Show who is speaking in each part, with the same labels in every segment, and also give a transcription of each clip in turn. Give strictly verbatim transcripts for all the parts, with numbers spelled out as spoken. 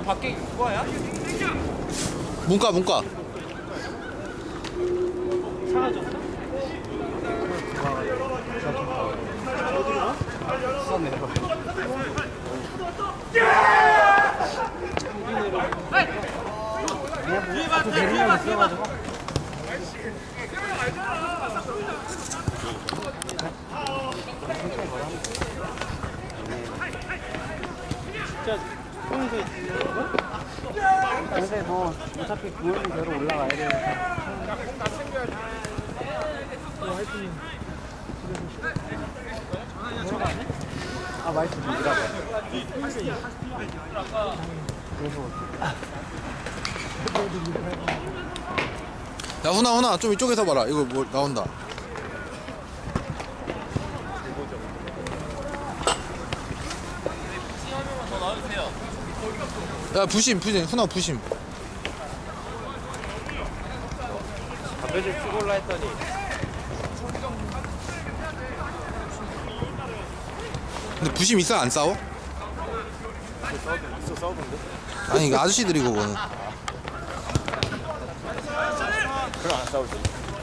Speaker 1: 그냥 밖에 그거야?
Speaker 2: 문과 문과.
Speaker 1: 사라졌어? 수산 내려가. 뒤에 봐, 뒤에 봐, 뒤에 봐. 진짜 평소에 있는 거? 근데 뭐 어차피 구월은 대로 올라가야 되니까. 아 마이크 밀라고.
Speaker 2: 야 훈아 훈아 좀 이쪽에서 봐라. 이거 뭐 나온다. 야 부심 부심 훈아 부심.
Speaker 1: 담배 좀 피고 올라 했더니
Speaker 2: 근데 부심 있어 안 싸워?
Speaker 1: 있어 싸우던데?
Speaker 2: 아니 이거 아저씨들이 그거는.
Speaker 1: 그럼 안 싸우지.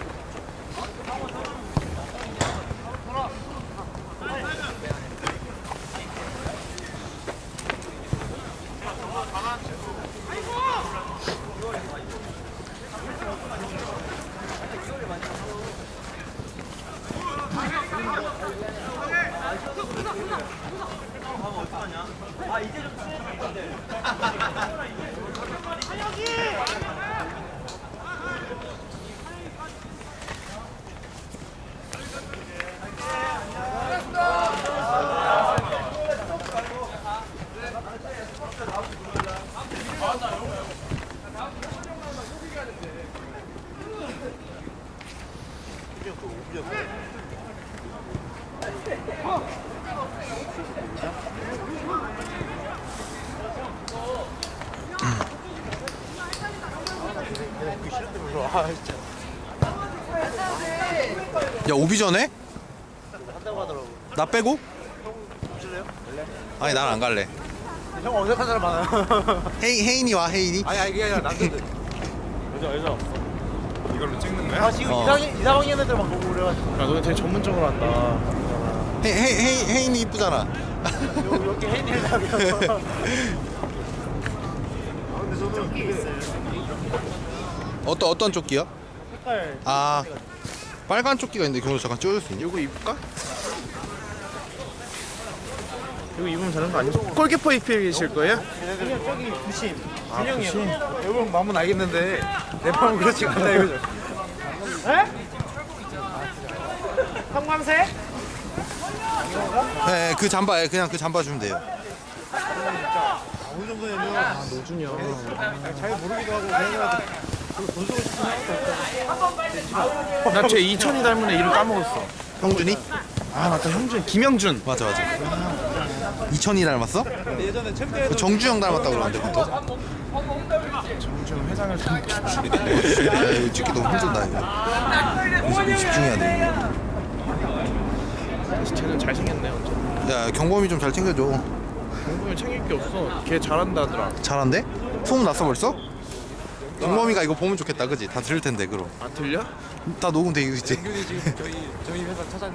Speaker 1: 아 이제 좀 친해졌는데.
Speaker 2: 야 오비 전에?
Speaker 1: 한다고 하더라고.
Speaker 2: 나 빼고?
Speaker 1: 보실래요?
Speaker 2: 아니 난 안 갈래.
Speaker 1: 형 어색한 사람 많아요.
Speaker 2: 헤이 혜인이 와 혜인이?
Speaker 1: 아니 아니 그게 아니라 남자들. 여자 여자.
Speaker 3: 이걸로 찍는 거야?
Speaker 1: 아 지금
Speaker 2: 어.
Speaker 1: 이상 이상한 애들 막 보고 그래가지고.
Speaker 3: 야, 너네 되게 전문적으로 한다.
Speaker 2: 헤 헤 헤 혜인이 이쁘잖아.
Speaker 1: 요 여기 혜인이를 잡여. 근데 저는 그게 있어요.
Speaker 2: 어떤 어떤 조끼야?
Speaker 1: 색깔.
Speaker 2: 아 빨간 조끼가 있는데 경호 잠깐 찍어줄 수 있니?
Speaker 3: 이거 입을까? 이거 입으면 되는 거 아니야? 골키퍼 입히실 거예요?
Speaker 1: 그냥 저기 부심.
Speaker 3: 아,
Speaker 1: 준영이요.
Speaker 3: 부심?
Speaker 1: 여러분 마음은 알겠는데 내 마음은 그렇지가 않다 이거죠. 에? 형광색?
Speaker 2: 네, 그 잠바 그냥 그 잠바 주면 돼요.
Speaker 1: 어느 정도냐면 아,
Speaker 3: 노준이 형.
Speaker 1: 잘 모르기도 하고 그냥 돈 쓰고 싶은 생각도
Speaker 3: 나쟤 이천이 닮은 애 이름 까먹었어.
Speaker 2: 형준이?
Speaker 3: 아 맞다 형준. 김영준.
Speaker 2: 맞아 맞아. 이천이 닮았어?
Speaker 1: 근데 예전에 챔피언
Speaker 2: 정주영 닮았다고 그러는데 그것도?
Speaker 3: 정준 회장을 닮은.
Speaker 2: 야 이거 찍기 너무 힘들다 이거. 이거 집중해야 돼.
Speaker 3: 쟤는 잘생겼네 완전.
Speaker 2: 야 경범이 좀 잘 챙겨줘.
Speaker 3: 공부면 챙길 게 없어. 걔 잘한다더라.
Speaker 2: 잘한대? 소문 났어 벌써? 경범이가 이거 보면 좋겠다 그지? 다 들을 텐데 그럼.
Speaker 3: 안 틀려?
Speaker 2: 다 녹음돼 있지?
Speaker 1: 연균이 지금 저희 저희 회사 차장.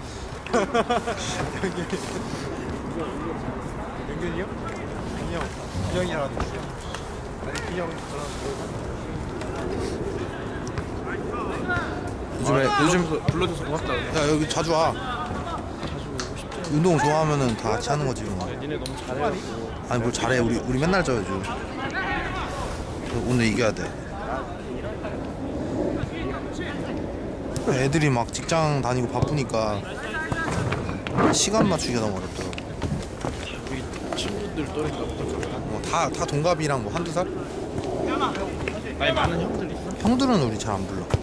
Speaker 1: 연균이요? 민영. 민영이라는 분이요. 아니 민영 저랑
Speaker 2: 요즘에 요즘
Speaker 3: 불러줘서, 불러줘서 고맙다.
Speaker 2: 야 여기 자주 와.
Speaker 3: 자주 오고 싶지.
Speaker 2: 운동 좋아하면은 다 같이 하는 거지 뭐.
Speaker 3: 야, 니네 너무 잘해가지고.
Speaker 2: 아니 뭘 잘해 우리 우리 맨날 져야죠. 오늘 이겨야 돼. 애들이 막 직장 다니고 바쁘니까 시간 맞추기가 너무 어렵더라고.
Speaker 3: 우리 친구들 또래인가 보다.
Speaker 2: 뭐다 다 동갑이랑 뭐 한두 살?
Speaker 3: 아니 많은 형들 있어?
Speaker 2: 형들은 우리 잘 안 불러.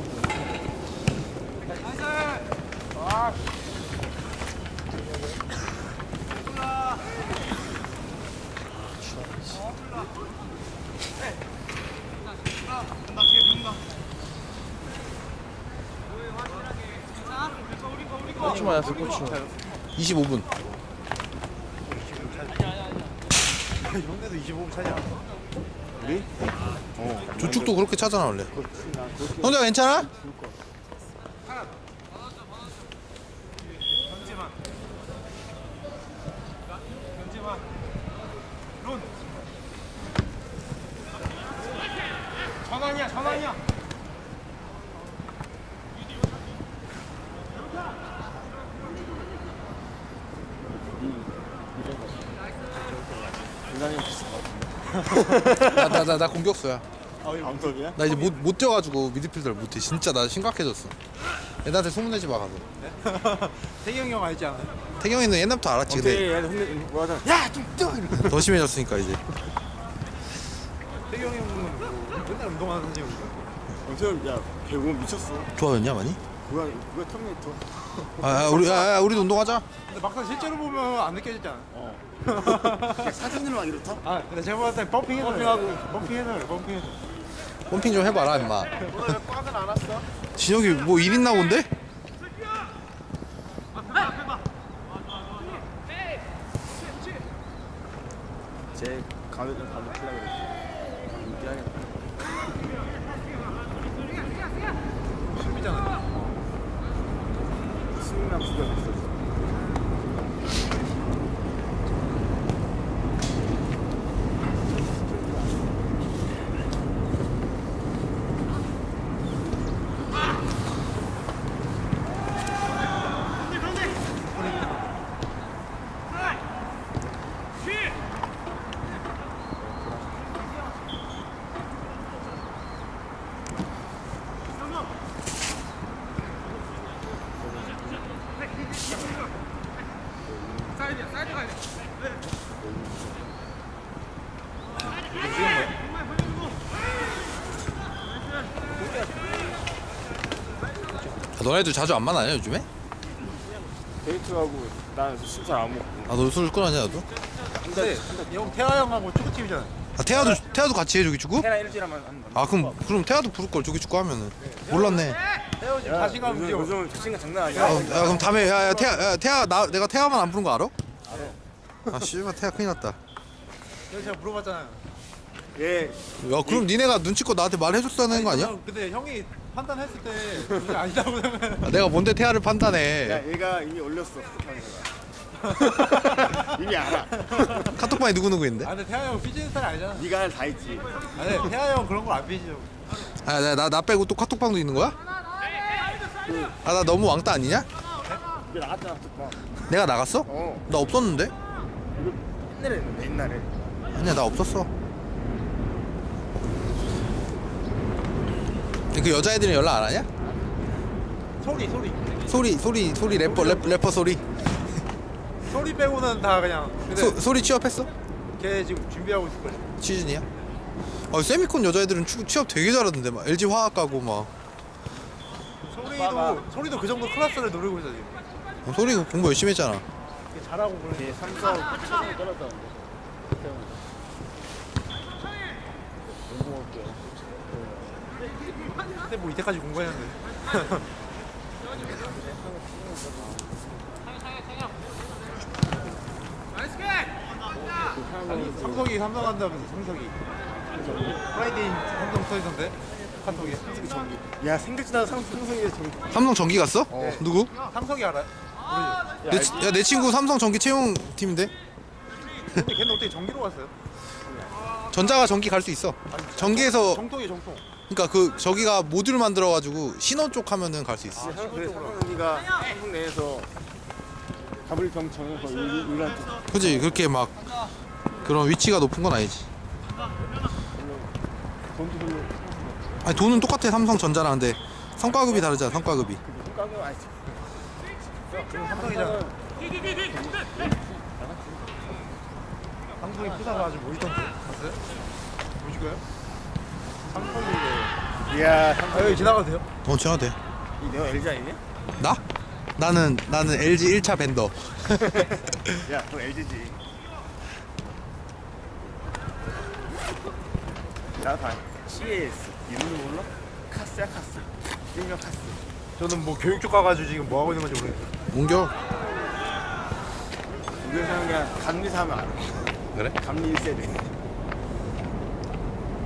Speaker 3: 고추 맞았어 고추.
Speaker 2: 이십오 분.
Speaker 1: 형네도 이십오 분 차냐?
Speaker 4: 우리? 어.
Speaker 2: 저쪽도 그렇게 차잖아 원래. 형제가 괜찮아?
Speaker 1: 전환이야 전환이야.
Speaker 4: 인간이 비슷한 것 같은데.
Speaker 2: 나 나 나 나 공격수야.
Speaker 4: 암석이야?
Speaker 2: 나 이제 못 못 뛰어가지고 미드필더를 못해. 진짜 나 심각해졌어. 애들한테 소문내지 마 가서.
Speaker 1: 태경이 형 알지 않아?
Speaker 2: 태경이는 옛날부터 알았지. 근데
Speaker 4: 어떻게 얘한테 혼내 뭐 하잖아. 야좀 뛰어 이렇게.
Speaker 2: 더 심해졌으니까 이제.
Speaker 1: 태경이 형은 뭐 맨날 운동하는 선생님이니까.
Speaker 4: 엄청 야 배우 미쳤어.
Speaker 2: 좋아졌냐 많이?
Speaker 4: 그거 그거 터미네이터.
Speaker 2: 아, 아 우리 아, 아, 우리도 운동하자.
Speaker 1: 근데 막상 실제로 보면 안 느껴지잖아.
Speaker 4: 어. 그냥 사진으로 막 이렇다.
Speaker 1: 아 근데 제가 봤을 때 펌핑 해도 펌핑하고 펌핑 해도 펌핑 해도.
Speaker 2: 펌핑 좀 해봐라 임마.
Speaker 1: 오늘 왜 꽉은 안 왔어?
Speaker 2: 진혁이 뭐 일 있나 본데?
Speaker 4: 제 가면 좀 가면 틀라 그랬지. 인기하겠다.
Speaker 1: 수비잖아.
Speaker 4: 수능남 두개 있어.
Speaker 2: 아, 너네들 자주 안 만나냐 요즘에?
Speaker 4: 데이트하고 난 술 잘 안 먹고.
Speaker 2: 아 너 술 끊었냐 너도?
Speaker 1: 근데 형 태아 형하고 축구팀이잖아.
Speaker 2: 아 태아도 태아도 같이 해 조기 축구?
Speaker 4: 해나 일주일에 한번 한다.
Speaker 2: 아 그럼 그럼 태아도 부를 걸 조기 축구 하면은. 몰랐네.
Speaker 1: 태아 지금 자신감
Speaker 4: 요즘,
Speaker 1: 뛰어.
Speaker 4: 요즘 자신감 장난
Speaker 2: 아,
Speaker 4: 아니야.
Speaker 2: 야, 그럼 다음에 야, 야 태아 야, 태아 나 내가 태아만 안 부른 거 알아? 알아. 아 씨발 태아 큰일 났다.
Speaker 1: 그래서 제가 물어봤잖아요.
Speaker 4: 얘
Speaker 2: 야 그럼 니네가 눈치껏 나한테 말해줬다는 거 아니야?
Speaker 1: 형, 근데 형이 판단했을 때 그게 아니라고 생각해.
Speaker 2: 아, 내가 뭔데 태아를
Speaker 4: 야,
Speaker 2: 판단해.
Speaker 4: 얘가 이미 올렸어. 카톡방에다가. 이미 알아.
Speaker 2: 카톡방에 누구 누구인데?
Speaker 1: 아 근데 태아 형 삐지는 스타일 아니잖아.
Speaker 4: 네가 할 다 했지.
Speaker 1: 아니 태아 형 그런 거 안 삐지죠.
Speaker 2: 아나 나 나 빼고 또 카톡방도 있는 거야? 아 나 너무 왕따 아니냐?
Speaker 4: 이게 나갔잖아, 카톡방.
Speaker 2: 내가 나갔어?
Speaker 4: 어.
Speaker 2: 나 없었는데?
Speaker 4: 이거 옛날에 했는데, 옛날에.
Speaker 2: 아니야 나 없었어. 그 여자애들은 연락 안 하냐?
Speaker 1: 소리 소리
Speaker 2: 소리 소리 소리 래퍼 래퍼, 래퍼 소리.
Speaker 1: 소리 빼고는 다 그냥. 근데
Speaker 2: 소, 소리 취업했어?
Speaker 1: 걔 지금 준비하고 있을 거야.
Speaker 2: 취준이야? 아 세미콘 여자애들은 취, 취업 되게 잘하던데 막 엘지 화학 가고 막.
Speaker 1: 소리도 소리도 그 정도 클래스를 노리고 있어 지금.
Speaker 2: 어, 소리 공부 열심히 했잖아.
Speaker 1: 걔 잘하고 그래.
Speaker 4: 얘 삼성 최선을 떨었다는데.
Speaker 1: 근데 뭐 이때까지 공부했는데. 아니 삼성이 삼성 한다면서 삼성이. 프라이데이 삼성 써있던데 카톡에.
Speaker 4: 야, 생각지도 않은 삼- 삼성이 정.
Speaker 2: 삼성 전기 갔어?
Speaker 4: 어.
Speaker 2: 누구?
Speaker 1: 삼성이 알아요? 모르죠.
Speaker 2: 내, 치- 야, 내 친구 삼성 전기 채용 팀인데?
Speaker 1: 근데 걔는 어떻게 전기로 갔어요?
Speaker 2: 전자가 전기 갈 수 있어. 전기에서
Speaker 1: 정통이 정통.
Speaker 2: 그러니까 그 저기가 모듈 만들어가지고 신원 쪽 하면은 갈 수 있어.
Speaker 4: 그래, 삼성이가 한국 내에서 가불병 정해서 유일한 쪽.
Speaker 2: 그지 그렇게 막 그런 위치가 높은 건 아니지.
Speaker 4: 돈도 별로.
Speaker 2: 아니 돈은 똑같아 삼성전자랑. 근데 성과급이 다르잖아. 성과급이.
Speaker 4: 손가락은 아니지.
Speaker 1: 삼성이잖아. 삼성이 푸사가 아주 멋있던데. 봤어요? 보실 거예요? 삼성이.
Speaker 4: 이야,
Speaker 1: 아
Speaker 4: 삼성.
Speaker 1: 여기 지나가도 돼요?
Speaker 2: 어 지나도 돼.
Speaker 4: 이 내가 엘지 아니냐?
Speaker 2: 나? 나는 나는 엘지 일 차 벤더.
Speaker 4: 야, 그건 엘지지. 나 봐. 씨에이에스. 이름도 몰라? 카스야, 카스. 일명 카스.
Speaker 1: 저는 뭐 교육 쪽 가가지고 지금 뭐 하고 있는 건지 모르겠어요.
Speaker 2: 옮겨.
Speaker 4: 우리 사람 그냥 감리사 하면 알아.
Speaker 2: 그래?
Speaker 4: 감리 일 세대.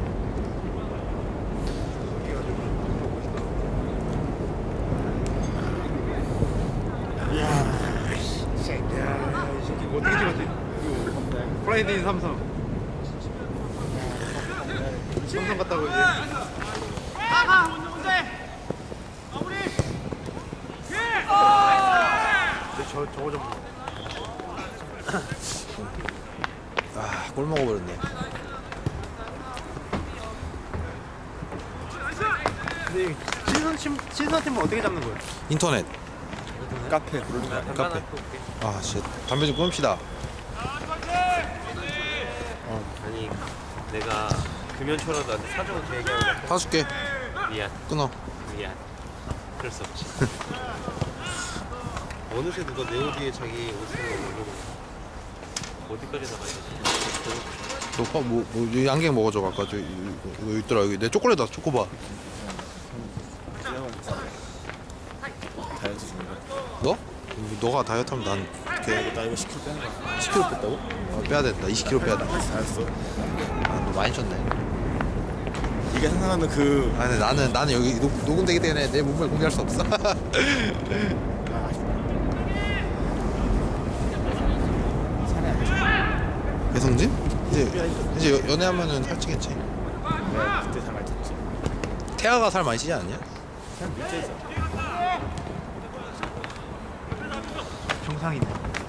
Speaker 1: 이거 어떻게 찍었지? 프라이데이 삼성. 삼성 갔다고 이제.
Speaker 3: 저 저거 좀.
Speaker 2: 아, 골 먹어버렸네.
Speaker 3: 근데 신선 팀 신선 팀은 어떻게 잡는 거예요?
Speaker 2: 인터넷,
Speaker 4: 카페.
Speaker 2: 카페. 아, 씨, 담배 좀 끊읍시다.
Speaker 5: 아니 내가 금연초라도 안 돼. 사정을 얘기하고
Speaker 2: 사줄게.
Speaker 5: 미안
Speaker 2: 끊어.
Speaker 5: 미안 그럴 수 없지. 어느새 누가 내 옷 위에 자기 옷을 올리고 어디까지 나가야 되지?
Speaker 2: 너 파, 뭐, 뭐, 이 양갱 먹어줘. 아까 저, 이거, 이거 있더라. 여기 내 초콜릿다, 초코바.
Speaker 4: 다이어트 중이야.
Speaker 2: 너? 너가 다이어트 하면 난
Speaker 4: 이렇게 나 이거 십 킬로그램 빼는 거야.
Speaker 2: 십 킬로그램 뺐다고? 어, 빼야 된다. 이십 킬로그램 빼야 돼.
Speaker 4: 잘했어.
Speaker 2: 아, 너 많이 쪘네.
Speaker 4: 네가 생각하는 그
Speaker 2: 아, 근데 나는, 나는 여기 녹, 녹음되기 때문에 내 몸을 공개할 수 없어. 배성진? 이제, 이제 여- 연애하면은 살찌겠지.
Speaker 4: 내가 그때 잘 말했지.
Speaker 2: 태아가 살 많이 찌지 않냐?
Speaker 4: 그냥 밀제죠.
Speaker 3: 정상이네.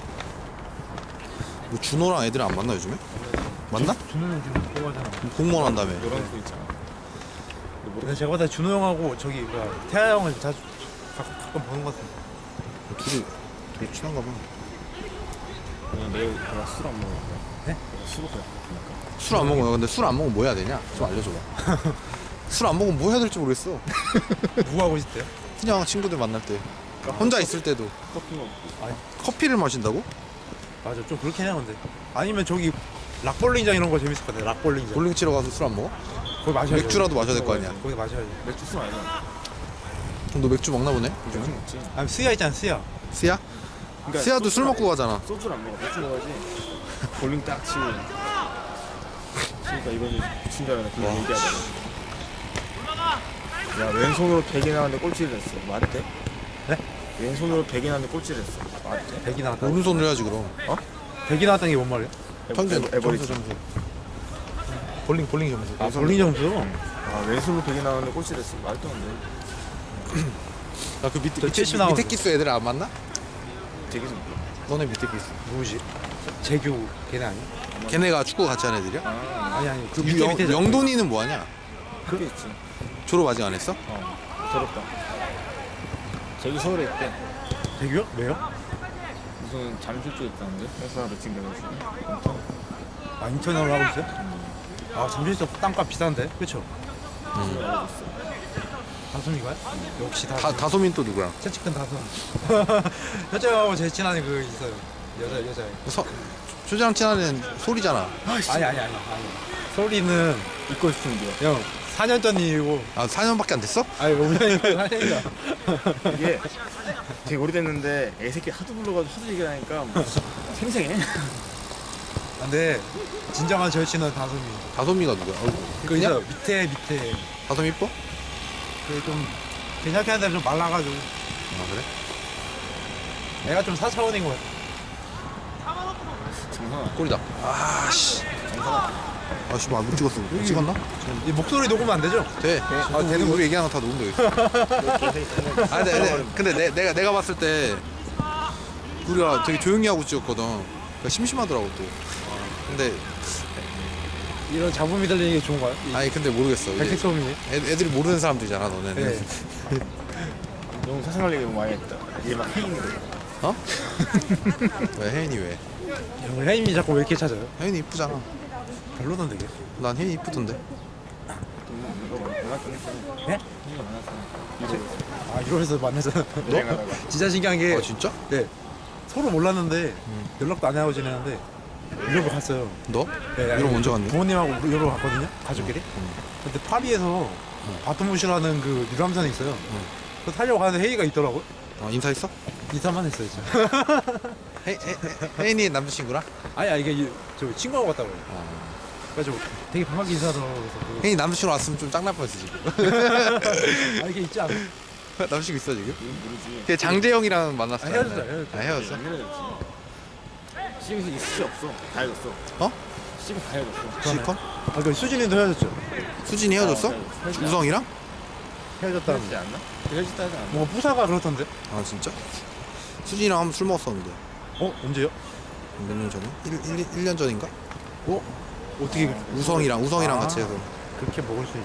Speaker 2: 뭐 준호랑 애들 안 만나 요즘에? 만나?
Speaker 3: 준호는 지금 공부하잖아.
Speaker 2: 공무원 한다며.
Speaker 4: 이런 거 있잖아.
Speaker 3: 근데 제가 봤을 때 준호 형하고 저기 뭐야 태아 형을 자주 가, 가끔 보는 것 같은데.
Speaker 2: 둘이 되게 친한가 봐.
Speaker 4: 그냥 내일 내가 술 안 먹을 거야.
Speaker 3: 네?
Speaker 4: 내가 술 먹을 거야.
Speaker 2: 술 안 먹어. 근데 술 안 먹으면 뭐 해야 되냐? 좀 알려줘봐. 술 안 먹으면 뭐 해야 될지 모르겠어.
Speaker 3: 누구 하고 있을 때요?
Speaker 2: 그냥 친구들 만날 때. 혼자 있을 때도.
Speaker 4: 커피 먹고.
Speaker 2: 커피를 마신다고?
Speaker 3: 맞아, 좀 그렇긴 해요 근데. 아니면 저기 락볼링장 이런 거 재밌을 것 같아. 락볼링장.
Speaker 2: 볼링 치러 가서 술 안 먹어?
Speaker 3: 거기 마셔야지.
Speaker 2: 맥주라도 마셔야 될 거 아니야.
Speaker 3: 거기 마셔야지.
Speaker 4: 맥주 술 아니야.
Speaker 2: 그럼 너 맥주 먹나 보네?
Speaker 4: 맥주 먹지.
Speaker 3: 아니 스야 있잖아 스야.
Speaker 2: 스야?
Speaker 4: 그러니까
Speaker 2: 스야도 술
Speaker 4: 소주를
Speaker 2: 먹고 가잖아.
Speaker 4: 소주를 안 먹어. 맥주 먹어야지. 볼링 딱 치고. 그러니까 이번에 미친 줄 알았네. 그거
Speaker 2: 와.
Speaker 4: 얘기하다가. 야 왼손으로 백이 나왔는데 꼴찌를 했어. 말이 돼?
Speaker 3: 네?
Speaker 4: 왼손으로 백이 나왔는데 꼴찌를 했어. 말이 돼?
Speaker 3: 백이 나왔다.
Speaker 2: 오른손으로 해야지 그럼.
Speaker 3: 백이 나왔다는 게 뭔 말이야?
Speaker 2: 평균
Speaker 4: 에버- 에버리지.
Speaker 2: 점수 점수. 볼링 볼링 점수.
Speaker 3: 아 볼링 점수?
Speaker 4: 아 왼손으로 백이 나왔는데 꼴찌를 했어. 말도 안 돼.
Speaker 2: 야그 밑에
Speaker 3: 저
Speaker 2: 밑에,
Speaker 3: 칠십 나오는데.
Speaker 2: 밑에 기수 애들 안 만나?
Speaker 4: 되게 좀.
Speaker 2: 너네 밑에 기수.
Speaker 3: 누구지? 재규 걔네 아니야?
Speaker 2: 걔네가 축구 같이 하는 애들이야?
Speaker 4: 아
Speaker 3: 아니 아니 그
Speaker 2: 그
Speaker 3: 밑에
Speaker 2: 영,
Speaker 3: 밑에
Speaker 2: 영돈이는 뭐 하냐?
Speaker 4: 그게 있지.
Speaker 2: 졸업 아직 안 했어?
Speaker 4: 어 더럽다. 저기 서울에 있대.
Speaker 3: 재규요? 왜요?
Speaker 4: 무슨 잠실 쪽에 있다는데? 회사 매칭 돼가지고.
Speaker 3: 아 인천으로 하고 있어요? 아 잠실에서 땅값 비싼데? 그쵸? 다솜이가요? 역시 다솜.
Speaker 2: 다 다솜인 또 누구랑?
Speaker 3: 채찍큰 다솜. 여자하고 제일 친한 그 있어요. 여자 여자.
Speaker 2: 서, 초장 친한 애는 소리잖아.
Speaker 3: 아니 아니 아니 아니. 소리는
Speaker 4: 입고 싶은데요.
Speaker 3: 형 사 년 전 일이고.
Speaker 2: 아 사 년밖에 안 됐어?
Speaker 3: 아니 오 년이고 사 년이다.
Speaker 4: 이게 되게 오래됐는데 애새끼 하도 불러가지고 하도 얘기를 하니까 뭐 생생해.
Speaker 3: 근데 진정한 절친은 다솜이.
Speaker 2: 다솜이가 누구야? 어,
Speaker 3: 그
Speaker 2: 그냥?
Speaker 3: 있어 밑에 밑에
Speaker 2: 다솜 이뻐?
Speaker 3: 그 좀 괜찮게 하는데 좀 말라가지고.
Speaker 2: 아 그래?
Speaker 3: 애가 좀 사 차원인 것 같아.
Speaker 4: 정상아.
Speaker 2: 꼴이다. 아씨. 아씨 뭐못 찍었어. 못 찍었나?
Speaker 3: 이 목소리 녹으면 안 되죠?
Speaker 2: 돼. 아 되는 우리 얘기하는 거 다 녹음돼 있어. 아 근데, 근데, 근데 내, 내가 내가 봤을 때 우리가 되게 조용히 하고 찍었거든. 그러니까 심심하더라고 또. 근데
Speaker 3: 이런 잡음이 들리는 게 좋은가요?
Speaker 2: 아니 근데 모르겠어. 이제
Speaker 3: 백색 소음이.
Speaker 2: 애, 애들이 모르는 사람들이잖아 너네는.
Speaker 3: 네.
Speaker 4: 너무 사생활 얘기 너무 많이 했다. 이게 막 혜인이래.
Speaker 2: 어? 왜 혜인이 왜?
Speaker 3: 형 혜임이 자꾸 왜 이렇게 찾아요?
Speaker 2: 혜인이 이쁘잖아.
Speaker 3: 별로던데 이게.
Speaker 2: 난 혜인이 이쁘던데.
Speaker 4: 이거 만났긴 했어.
Speaker 3: 네?
Speaker 4: 이거 만났어.
Speaker 3: 아 이러면서 만나잖아.
Speaker 4: 여행하다가.
Speaker 3: 진짜 신기한 게
Speaker 2: 아 진짜?
Speaker 3: 네. 서로 몰랐는데 연락도 안 하고 지내는데 유럽을 갔어요.
Speaker 2: 너?
Speaker 3: 네,
Speaker 2: 유럽 언제 갔니?
Speaker 3: 부모님하고 유럽 갔거든요. 가족끼리. 근데 파리에서 바토무시라는 그 유람선이 있어요. 그 타려고 가는데 회의가 있더라고요.
Speaker 2: 어, 인사했어?
Speaker 3: 인사만 했어요, 진짜.
Speaker 2: 혜, 혜, 혜인이 남자친구랑?
Speaker 3: 아니, 아니, 이게 이- 저 친구하고 갔다고요.
Speaker 2: 어.
Speaker 3: 그래가지고 되게 반갑게 인사하더라고요. 그래서 그-
Speaker 2: 혜인이 남자친구 왔으면 좀 짱날 뻔했어 지금.
Speaker 3: 아, 이게 있지 않아?
Speaker 2: 남자친구 있어 지금?
Speaker 4: 이건 모르지.
Speaker 2: 걔 장재영이랑 만났어.
Speaker 3: 아, 헤어졌어요, 헤어졌어요.
Speaker 2: 아 헤어졌어?
Speaker 4: 안 헤어졌지. 시금 씨 없어. 다 헤어졌어.
Speaker 2: 어?
Speaker 4: 시금 다 헤어졌어.
Speaker 2: 실컷?
Speaker 3: 아, 그 수진이도 헤어졌죠.
Speaker 2: 수진이 헤어졌어?
Speaker 4: 헤어졌어.
Speaker 2: 우성이랑?
Speaker 3: 헤어졌다는
Speaker 4: 헤어지지 않나? 헤어졌다 하지 않나?
Speaker 3: 뭔가 부사가 그렇던데.
Speaker 2: 아 진짜? 수진이랑 한번 술 먹었었는데
Speaker 3: 어 언제요?
Speaker 2: 몇 년 전에? 일 년 전인가?
Speaker 3: 어 어떻게
Speaker 2: 우성이랑 우성이랑
Speaker 3: 아.
Speaker 2: 같이 해서
Speaker 3: 그렇게 먹을 수 있지?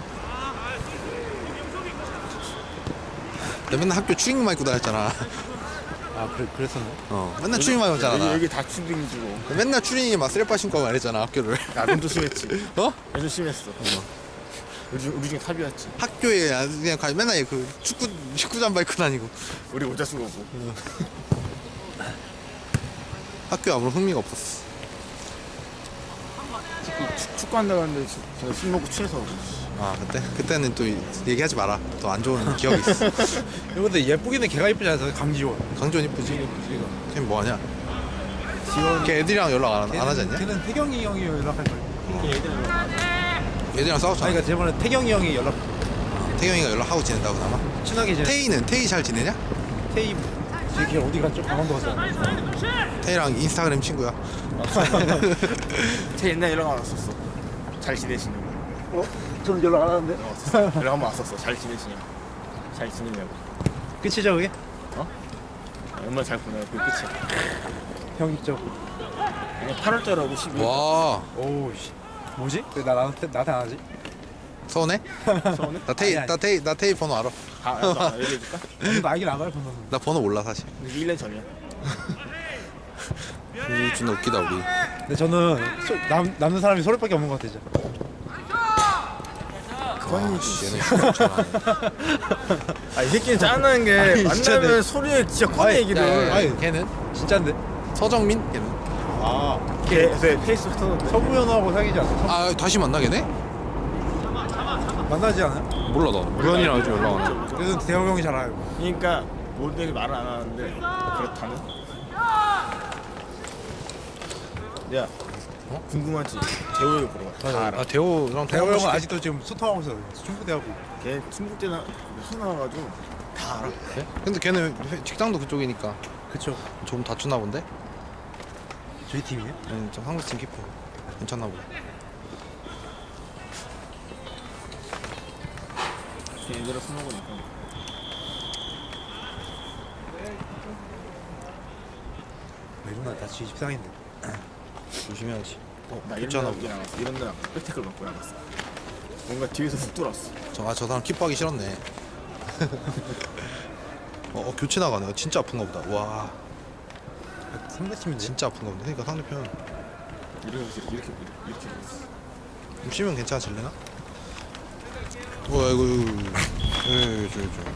Speaker 2: 내가 맨날 학교 추리닝만 입고 다녔잖아.
Speaker 3: 아 그래 그랬었나?
Speaker 2: 어 맨날 추리닝만 입었잖아
Speaker 4: 여기,
Speaker 2: 나.
Speaker 4: 여기 다 추딩 주고.
Speaker 2: 맨날 추리닝에 막 쓰레빠 신고 하고 말했잖아 학교를.
Speaker 4: 나도 심했지.
Speaker 2: 어?
Speaker 4: 나도 심했어. 우리, 중- 우리 중에 탑이었지.
Speaker 2: 학교에 그냥 가- 맨날 그 축구 축구 잠바 입고 다니고
Speaker 4: 우리 모자 쓰고 오고.
Speaker 2: 학교에 아무런 흥미가 없었어.
Speaker 4: 축구, 축- 축구한다고 하는데 저 술 먹고 취해서 오고.
Speaker 2: 아 그때? 그때는 또 얘기하지 마라. 또 안 좋은 기억이 있어.
Speaker 3: 근데 예쁘기는 걔가 이쁘지 않아서 강지원.
Speaker 2: 강지원 이쁘지? 걔 뭐하냐? 걔 애들이랑 연락 안, 안 하지 않냐?
Speaker 3: 걔는 태경이 형이 연락할 거야.
Speaker 2: 애들이랑 싸웠잖아.
Speaker 3: 아니 그러니까 저번에 태경이 형이 연락
Speaker 2: 태경이가 연락하고 지낸다고 나마?
Speaker 3: 친하게 지내.
Speaker 2: 태희는? 태희 잘 지내냐?
Speaker 3: 테이 지금 걔 어디 갔죠? 강원도 갔잖아.
Speaker 2: 태희랑 인스타그램 친구야.
Speaker 4: 제 옛날 연락 안 왔었어. 잘 지내시냐고.
Speaker 3: 어? 저는 연락 안 하는데.
Speaker 4: 어, 왔었어. 연락 한번 왔었어. 잘 지내시냐고. 잘 지내냐고.
Speaker 3: 끝이죠 그게?
Speaker 4: 얼마나 잘 보내요. 그게 끝이야.
Speaker 3: 형 있죠.
Speaker 4: 그냥 팔월달하고 십이월.
Speaker 2: 와
Speaker 3: 오우 씨. 뭐지? 왜 나 나한테 나한테 안 하지?
Speaker 2: 서운해?
Speaker 4: 서운해?
Speaker 2: 나 태희
Speaker 3: 아니, 아니.
Speaker 2: 나 태희 나 태희 번호 알아.
Speaker 4: 아, 나 얘기해줄까?
Speaker 3: 나 알긴 알아요 번호는.
Speaker 2: 나 번호 몰라 사실.
Speaker 4: 이게 일 년 전이야.
Speaker 2: 우리 존나 웃기다 우리.
Speaker 3: 근데 저는 소, 남 남는 사람이 소리밖에 없는 것 같아 진짜.
Speaker 2: 아, 씨, 얘는 휴가 잘하네.
Speaker 4: 아, 이 새끼는 짜증나는 게
Speaker 3: 진짜
Speaker 4: 만나면
Speaker 3: 내-
Speaker 4: 소리에 진짜 꺼내
Speaker 3: 아니,
Speaker 4: 얘기를.
Speaker 2: 야, 야, 야,
Speaker 3: 아니,
Speaker 2: 걔는
Speaker 3: 진짜인데?
Speaker 2: 서정민? 걔는?
Speaker 3: 아
Speaker 4: 걔 요새 페이스북 터는데.
Speaker 3: 서구현하고 사귀지 않아? 서,
Speaker 2: 아 다시 만나 걔네?
Speaker 3: 만나지 않아?
Speaker 2: 몰라 나. 우연이랑 요즘 연락 안 해.
Speaker 3: 그래도 대호 형이 잘 알고.
Speaker 4: 그러니까 모델이 말을 안 하는데 그렇다는. 야, 어? 궁금하지? 재호 형 보러 가. 다 알아.
Speaker 2: 아 대호랑
Speaker 3: 대호 형은 아직도 지금 수통하고 있어. 충북대하고.
Speaker 4: 걔 중국 때나 수 나와가지고 다 알아.
Speaker 2: 네? 근데 걔는 회- 직장도 그쪽이니까
Speaker 3: 그쵸.
Speaker 2: 조금 다투나 본데?
Speaker 3: 저희 팀이에요?
Speaker 2: 응, 좀 한국 팀 키퍼 괜찮나 보다.
Speaker 4: 걔 얘들아 술 먹으니까.
Speaker 3: 이러면 나 지금 십상인데.
Speaker 2: 조심해야지. 어,
Speaker 4: 나 이런
Speaker 2: 괜찮아
Speaker 4: 데
Speaker 2: 보다.
Speaker 4: 나갔어. 이런 데 나갔어. 백태클 맞고 나갔어. 뭔가 뒤에서 훅 들어왔어.
Speaker 2: 저, 아, 저 사람 키퍼하기 싫었네. 어, 어, 교체 나가네. 진짜 아픈가 보다. 와,
Speaker 3: 상대팀인데?
Speaker 2: 진짜 아픈가 보다. 그러니까 상대편
Speaker 4: 이렇게 이렇게 이렇게 이렇게 됐어.
Speaker 2: 좀 쉬면 괜찮아질래나? 어, 아이고, 아이고, 예, 저, 저.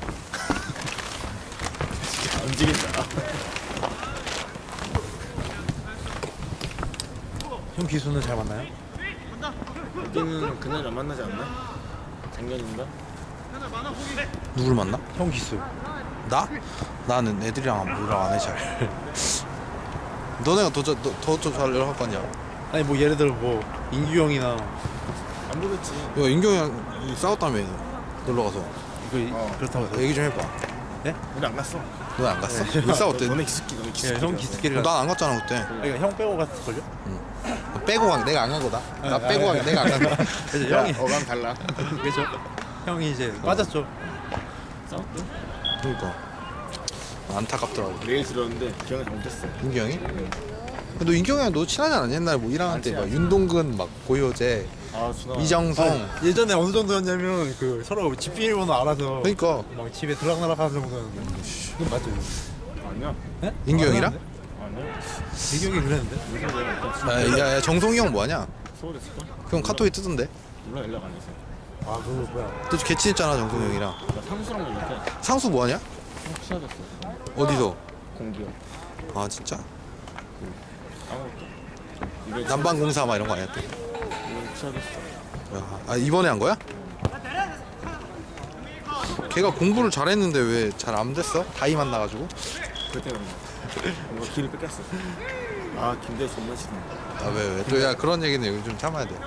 Speaker 4: 안 움직인다.
Speaker 3: 형 기수는 잘 만나요?
Speaker 4: 여기는 그날 안 만나지 않나? 작년인가?
Speaker 2: 누굴 만나?
Speaker 3: 형 기수.
Speaker 2: 나? 나는 애들이랑 연락 안 해 잘. 너네가 더더더잘 연락할 거 아니야?
Speaker 3: 아니 뭐 예를 들어 뭐 인규 형이나
Speaker 4: 안 보겠지.
Speaker 2: 야, 인경이랑 싸웠다며 놀러 가서.
Speaker 3: 이거
Speaker 4: 어.
Speaker 3: 그렇다고 해서.
Speaker 2: 얘기 좀 해봐.
Speaker 4: 우리 안 갔어.
Speaker 2: 너 안 갔어? 왜 싸웠대?
Speaker 4: 너네 기숙기 너네 기숙기.
Speaker 3: 예, 형 기수끼리 갔.
Speaker 2: 난 안 갔잖아 그때.
Speaker 3: 그러니까 형 빼고 갔을걸요?
Speaker 2: 빼고 간 내가 안 간 거다. 나
Speaker 3: 아,
Speaker 2: 빼고
Speaker 3: 아,
Speaker 2: 간 내가 안 간 거야.
Speaker 3: 그래서
Speaker 4: 야,
Speaker 3: 형이
Speaker 4: 어감 달라.
Speaker 3: 그죠? 형이 이제 빠졌죠.
Speaker 4: 싸웠대?
Speaker 2: 그러니까 안타깝더라고.
Speaker 4: 내일 들었는데 기억을 잘못했어.
Speaker 2: 인경이? 너 인경이랑 너 친하지 않았냐? 옛날에 뭐 일 학년 때 막
Speaker 4: 친하지.
Speaker 2: 윤동근 막 고효재
Speaker 4: 아 준아.
Speaker 2: 이정성.
Speaker 3: 아, 예전에 어느 정도였냐면 그 서로 집 비밀번호 알아서
Speaker 2: 그러니까
Speaker 3: 막 집에 들락날락 하는 정도였는데. 이건 맞죠?
Speaker 4: 아니야.
Speaker 3: 네?
Speaker 2: 인규형이랑?
Speaker 4: 아니야.
Speaker 3: 대기억이 그랬는데.
Speaker 4: 무슨 내가 일단
Speaker 2: 야, 야, 야 정성이 형 뭐하냐?
Speaker 4: 서울에 있을까?
Speaker 2: 그 형 카톡에 뜨던데.
Speaker 4: 몰라 연락 안 해서.
Speaker 3: 아 그거 뭐야?
Speaker 2: 너 개친했잖아 정성이 형이랑.
Speaker 4: 나 상수랑 연락해.
Speaker 2: 상수 뭐하냐?
Speaker 4: 형 취하됐어.
Speaker 2: 어디서?
Speaker 4: 공기요.
Speaker 2: 아 진짜?
Speaker 4: 아무것도. 이래
Speaker 2: 난방공사 막 이런 거 아니야 또?
Speaker 4: 이래 취하됐어.
Speaker 2: 야, 아 이번에 한 거야? 걔가 공부를 잘했는데 왜 잘 안 됐어? 다이 만나가지고?
Speaker 4: 그때 뭔가 길을 뺏겼어. 아 김대희 존나 싫어.
Speaker 2: 아 왜 왜? 또 야 그런 얘기는 여기 좀 참아야 돼.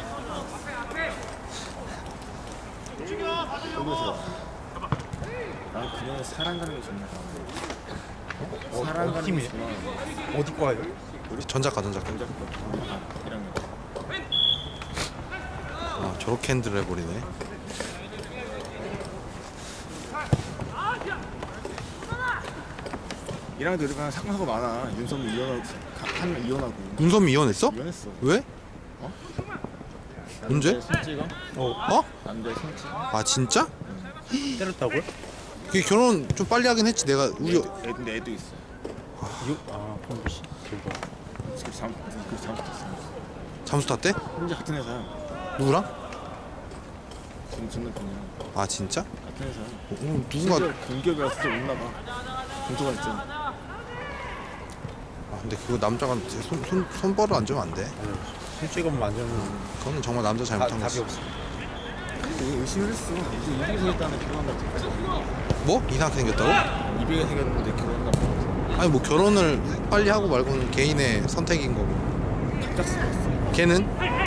Speaker 4: 너무 싫어. 난 그냥 사랑 가는 게 존나 좋아. 사랑 가는 게
Speaker 3: 팀이에요?
Speaker 4: 좋아.
Speaker 3: 어디 과예요?
Speaker 2: 전작가 전작가.
Speaker 4: 전작 거. 아, 일 학년.
Speaker 2: 아 저렇게 핸들을 해버리네.
Speaker 4: 일 학년 때 우리가 사고사고 많아. 윤섬 이혼하고 한 이혼하고
Speaker 2: 윤섬이 이혼했어?
Speaker 4: 이혼했어.
Speaker 2: 왜?
Speaker 4: 어?
Speaker 2: 언제?
Speaker 4: 손찌가?
Speaker 2: 어?
Speaker 4: 남자 손찌.
Speaker 2: 아 진짜?
Speaker 3: 때렸다고요?
Speaker 2: 그게 결혼 좀 빨리 하긴 했지. 내가 우리
Speaker 4: 애, 근데 애도 있어.
Speaker 3: 이거 아 그럼 씨 대박.
Speaker 4: 지금 잠, 그 잠수 탔어.
Speaker 2: 잠수 탔대?
Speaker 4: 혼자 같은 회사야.
Speaker 2: 누구랑?
Speaker 4: 지금 전남편이랑
Speaker 2: 아 진짜?
Speaker 4: 같은 회사야.
Speaker 2: 어, 음, 누군가.
Speaker 4: 누가 공기업이라서 좀 없나 봐. 공소가 있잖아.
Speaker 2: 아, 근데 그거 남자가 손, 손, 손벌을 안 주면 안 돼.
Speaker 3: 손찌검 만져면
Speaker 2: 그거는 정말 남자
Speaker 3: 다,
Speaker 2: 잘못한
Speaker 3: 답이
Speaker 2: 거지.
Speaker 3: 없어.
Speaker 4: 되게 의심을 했어. 이제 이백이 생겼다는 결혼한다고 했지.
Speaker 2: 뭐? 이상하게 생겼다고?
Speaker 4: 이백이 생겼는데 결혼한다고 했지.
Speaker 2: 아니 뭐 결혼을 빨리 하고 말고는 개인의 선택인 거고.
Speaker 4: 갑작스러웠어.
Speaker 2: 걔는?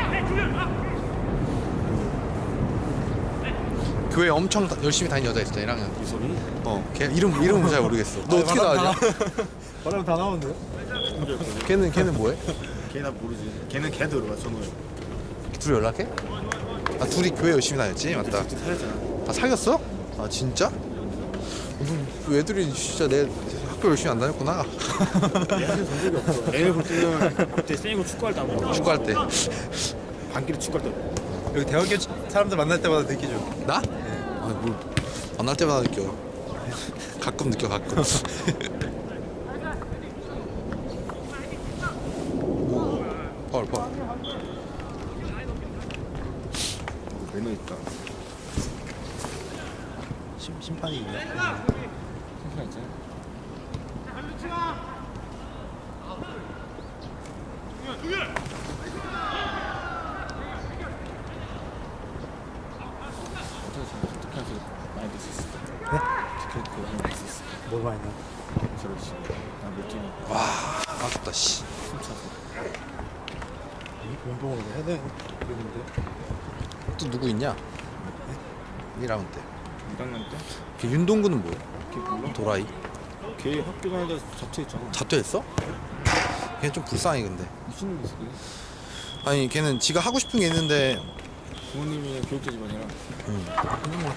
Speaker 2: 교회 엄청 다- 열심히 다니는 여자 있었잖아. 일 학년.
Speaker 4: 유섭이?
Speaker 2: 어, 걔 이름 이름은 잘 모르겠어. 너 어떻게 다 아냐?
Speaker 3: 말하면 다 나오는데요?
Speaker 2: 걔는 걔는 뭐해?
Speaker 4: 걔나 모르지. 걔는 걔도 들어가 전후에.
Speaker 2: 둘이 연락해? 아 둘이 교회 열심히 다녔지, 맞다.
Speaker 4: 같이 살았잖아.
Speaker 2: 아 사귀었어? 아 진짜? 너 애들이 진짜 내 학교 열심히 안 다녔구나.
Speaker 4: 얘한테 본 적이 없어. 애를 볼 때는 그때 쌩이고 축구할 때 안 보고
Speaker 2: 축구할 때.
Speaker 4: 반기를 축구할 때 보고.
Speaker 3: 여기 대학교 사람들 만날 때마다 느끼죠.
Speaker 2: 나? 아뭘 만날 때마다 느껴. 가끔 느껴 가끔. 오, 파울 파울.
Speaker 4: 매너 있다.
Speaker 3: 심, 심판이 있네.
Speaker 4: 심판 있잖아. 어떻게 생각해? 어떻게 하세요? 많이 낼수 있을 것 같아.
Speaker 3: 네?
Speaker 4: 티켓 그거 많이 낼수 있을 것
Speaker 3: 뭘 많이 나?
Speaker 4: 같아. 저렇지. 나몇 팀이
Speaker 2: 와 아깝다 씨.
Speaker 4: 숨차서.
Speaker 3: 운동을 해야 되는데.
Speaker 2: 또 누구 있냐? 일 라운드 때.
Speaker 4: 일 학년 때?
Speaker 2: 걔 윤동구는 뭐야?
Speaker 4: 걔 몰라?
Speaker 2: 도라이.
Speaker 4: 걔 학교 다니다 자퇴했잖아.
Speaker 2: 자퇴했어? 걔는 좀 불쌍해 근데.
Speaker 4: 무슨 일 있어? 그게?
Speaker 2: 아니 걔는 지가 하고 싶은 게 있는데
Speaker 4: 부모님이 교육자 집안이라
Speaker 2: 음.
Speaker 3: 그냥 뭐